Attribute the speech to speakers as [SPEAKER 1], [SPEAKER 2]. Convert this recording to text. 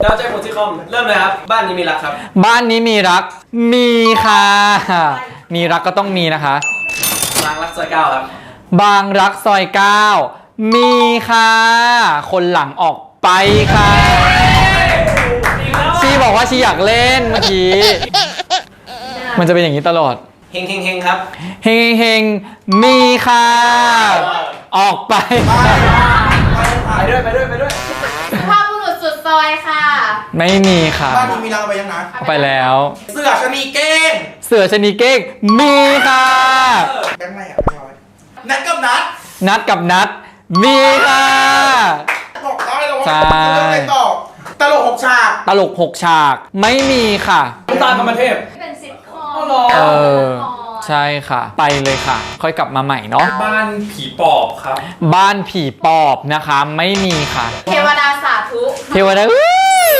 [SPEAKER 1] แล้วใจโพซิคอมเริ่มเลยครับบ้านนี้มีรักครับ
[SPEAKER 2] บ้านนี้มีรักมีค่ะมีรักก็ต้องมีนะคะ
[SPEAKER 1] บางรักซอย9ครับ
[SPEAKER 2] บางรักซอย9มีค่ะคนหลังออกไปค่ะชีบอกว่าชีอยากเล่นเมื่อกี้มันจะเป็นอย่างนี้ตลอด
[SPEAKER 1] เฮงครับ
[SPEAKER 2] เฮงมีค่ะออกไป
[SPEAKER 1] ไปด้วย
[SPEAKER 3] สุภาพบุรุษสุดซอยค่ะ
[SPEAKER 2] ไม่มีค่ะ
[SPEAKER 4] บ้านนี้มีรักเอาไปยังนะ
[SPEAKER 2] เอาไปแล้ว
[SPEAKER 4] เสือชะนีเก้ง
[SPEAKER 2] เสือชนีเก้งมีค่ะ
[SPEAKER 4] แบงค์ไหนอ่ะนัดกับนัด
[SPEAKER 2] นัดกับนัดมีค่ะ
[SPEAKER 4] บอกได้เลยว่าเรื่องอะไรต่อตลก6 ฉาก
[SPEAKER 2] ตลก6 ฉากไม่มีค่ะ
[SPEAKER 1] ตามธรรมเทพ
[SPEAKER 3] เป็นซิทคอม
[SPEAKER 2] ใช่ค่ะไปเลยค่ะค่อยกลับมาใหม่เนาะ
[SPEAKER 1] บ้านผีปอบครับ
[SPEAKER 2] บ้านผีปอบนะคะไม่มีค่ะ
[SPEAKER 3] เทวดาสาธุ
[SPEAKER 2] เทวดา